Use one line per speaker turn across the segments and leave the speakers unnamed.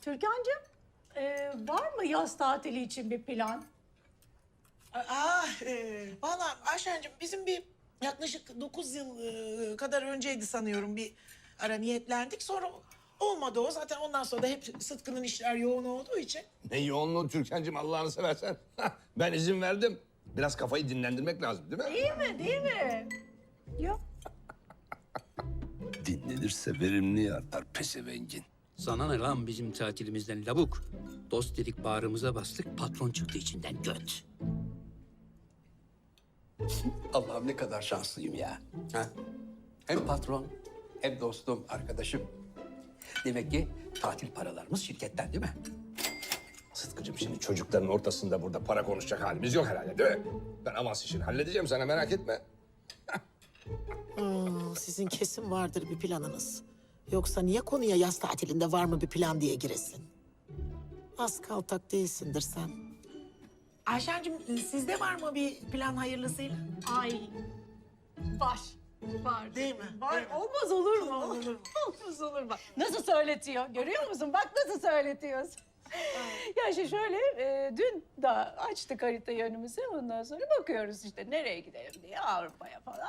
Türkan'cığım, var mı yaz tatili için bir plan?
Valla Ayşen'cim bizim bir yaklaşık 9 yıl kadar önceydi sanıyorum bir ara niyetlendik. Sonra olmadı o. Zaten ondan sonra da hep Sıtkı'nın işler yoğun olduğu için.
Ne yoğunluğu Türkan'cığım Allah'ını seversen. Ben izin verdim. Biraz kafayı dinlendirmek lazım değil mi?
Değil mi, değil mi? Yok.
Dinlenirse verimli artar pesevengin.
Sana ne lan bizim tatilimizden lavuk? Dost dedik bağrımıza bastık, patron çıktı içinden göt. Allah'ım ne kadar şanslıyım ya. Ha? Hem patron, hem dostum, arkadaşım. Demek ki tatil paralarımız şirketten değil mi?
Sıtkı'cığım şimdi çocukların ortasında burada para konuşacak halimiz yok herhalde değil mi? Ben avans işini halledeceğim sana merak etme.
Sizin kesin vardır bir planınız. Yoksa niye konuya yaz tatilinde var mı bir plan diye giresin? Az kaltak değilsindir sen. Ayşen'cim sizde var mı bir plan hayırlısıyla?
Ay, var. Var.
Değil mi?
Var.
Değil mi?
Olmaz olur mu?
Olur mu?
Olmaz olur bak. Nasıl söyletiyor? Görüyor musun? Bak nasıl söyletiyorsun. Ya işte şöyle, dün de açtık haritayı önümüze. Ondan sonra bakıyoruz işte nereye gidelim diye Avrupa'ya falan.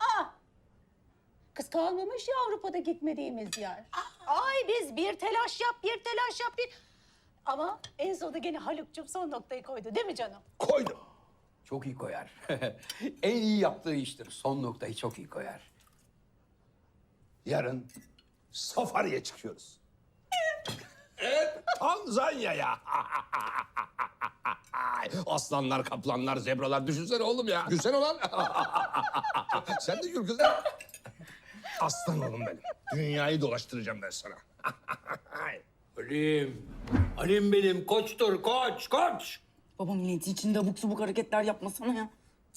Kız kalmamış ya Avrupa'da gitmediğimiz yer. Ay biz bir telaş yap, bir telaş yap, bir... Ama en sonunda gene Haluk'cum son noktayı koydu değil mi canım?
Koydum.
Çok iyi koyar. En iyi yaptığı iştir. Son noktayı çok iyi koyar.
Yarın safariye çıkıyoruz. Evet, Tanzanya'ya. Aslanlar, kaplanlar, zebralar. Düşünsene oğlum ya. Gülsene ulan. Sen de gül kızım. Aslan oğlum benim. Dünyayı dolaştıracağım ben sana.
Alim. Alim benim koçtur koç, koç.
Baba milleti içinde abuk subuk hareketler yapmasana ya.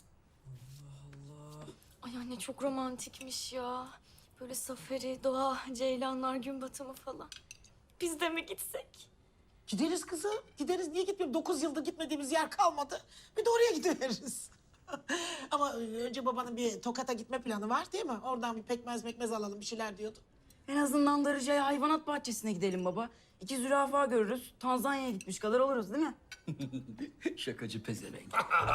Ay anne çok romantikmiş ya. Böyle safari, doğa, ceylanlar, gün batımı falan. Biz de mi gitsek?
Gideriz kızım. Gideriz. Niye gitmiyorum? 9 yıldır gitmediğimiz yer kalmadı. Bir de oraya gidiveririz. Ama önce babanın bir Tokat'a gitme planı var değil mi? Oradan bir pekmez alalım bir şeyler diyordu.
En azından Darıca'ya hayvanat bahçesine gidelim baba. 2 zürafa görürüz. Tanzanya'ya gitmiş kadar oluruz değil mi?
Şakacı pezevenk.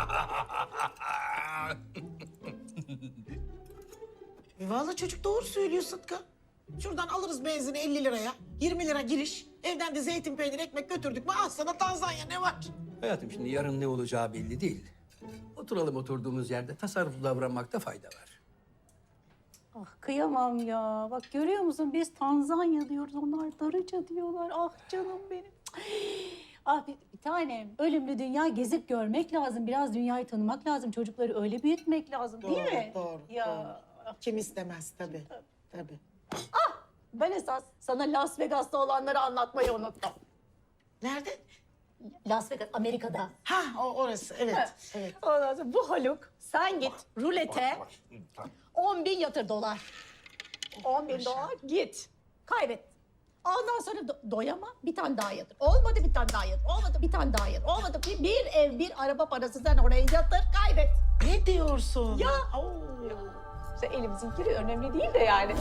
Vallahi çocuk doğru söylüyor Sıtkı. Şuradan alırız benzini 50 liraya. 20 lira giriş. Evden de zeytin, peynir, ekmek götürdük mü? Al sana Tanzanya ne var?
Hayatım şimdi yarın ne olacağı belli değil. Oturalım oturduğumuz yerde tasarruflu davranmakta fayda var.
Ah kıyamam ya. Bak görüyor musun biz Tanzanya diyoruz, onlar Darıca diyorlar. Ah canım benim. Ah bir tanem, ölümlü dünya gezip görmek lazım. Biraz dünyayı tanımak lazım. Çocukları öyle büyütmek lazım değil mi?
Doğru.
Ya
Kim istemez tabii. Tabii.
ben esas sana Las Vegas'ta olanları anlatmayı unuttum.
Nerede?
Las Vegas, Amerika'da.
Ha orası evet. Evet.
Ondan sonra bu Haluk, sen git rulete 10.000 yatır dolar. 10.000 dolar git. Kaybet. Ondan sonra doyama bir tane daha yatır. Olmadı bir tane daha yatır. Olmadı bir tane daha yatır. Olmadı bir ev bir araba parası sen oraya yatır kaybet.
Ne diyorsun?
Ya.
Oo.
İşte elimizin kiri önemli değil de yani.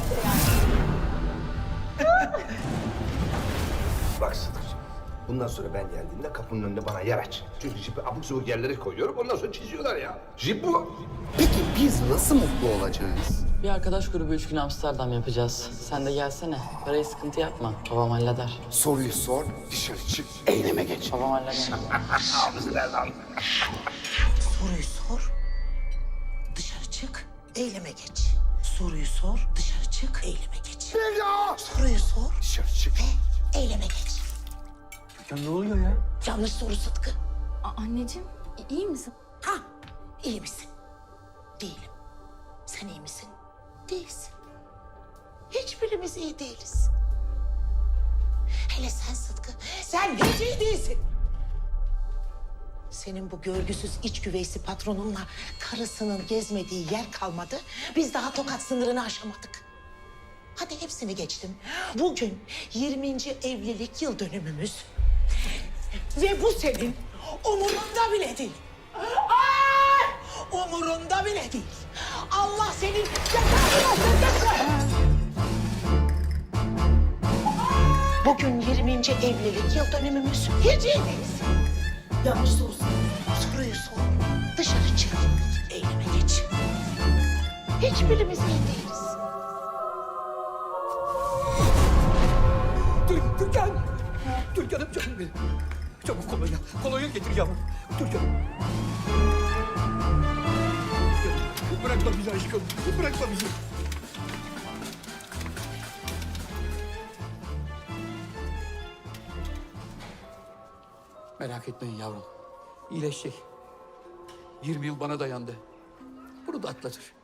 Bak Sıtkı'cığım. Bundan sonra ben geldiğimde kapının önünde bana yer aç. Çünkü jipi abuk sabuk yerlere koyuyorum. Ondan sonra çiziyorlar ya. Jip bu.
Peki biz nasıl mutlu olacağız?
Bir arkadaş grubu 3 gün Amsterdam yapacağız. Sen de gelsene. Parayı sıkıntı yapma. Babam halleder.
Soruyu sor, dışarı çık, eyleme geç.
Babam halleder.
Ağzı ver lan.
Soruyu sor. Dışarı çık. Eyleme geç. Soruyu sor. Dışarı çık. Eyleme geç.
Ya!
Soruyu sor.
Dışarı çık.
Eyleme geç.
Ya ne oluyor ya?
Yanlış soru Sıtkı.
Anneciğim iyi misin?
Ha, iyi misin? Değilim. Sen iyi misin? Değilsin. Hiçbirimiz iyi değiliz. Hele sen Sıtkı, sen hiç iyi değilsin. Senin bu görgüsüz iç güveysi patronunla karısının gezmediği yer kalmadı. Biz daha Tokat sınırını aşamadık. Hadi hepsini geçtim. Bugün 20. evlilik yıl dönümümüz. Ve bu senin umurunda bile değil. Umurunda bile değil. Allah senin cezanı versin. Bugün 20. evlilik yıl dönümümüz. Hediyedeyiz. Yanlış soru sor. Soruyu sor. Dışarı çık. Eyleme geç. Hiçbirimiz iyi değiliz.
Türkan! Türkan'ım canım benim. Çabuk kolonya. Kolonya getir yavrum. Türkan. Bırakma bizi aşkım. Bırakma bizi. Merak etmeyin yavrum. İyileşecek. 20 yıl bana dayandı. Bunu da atlatır.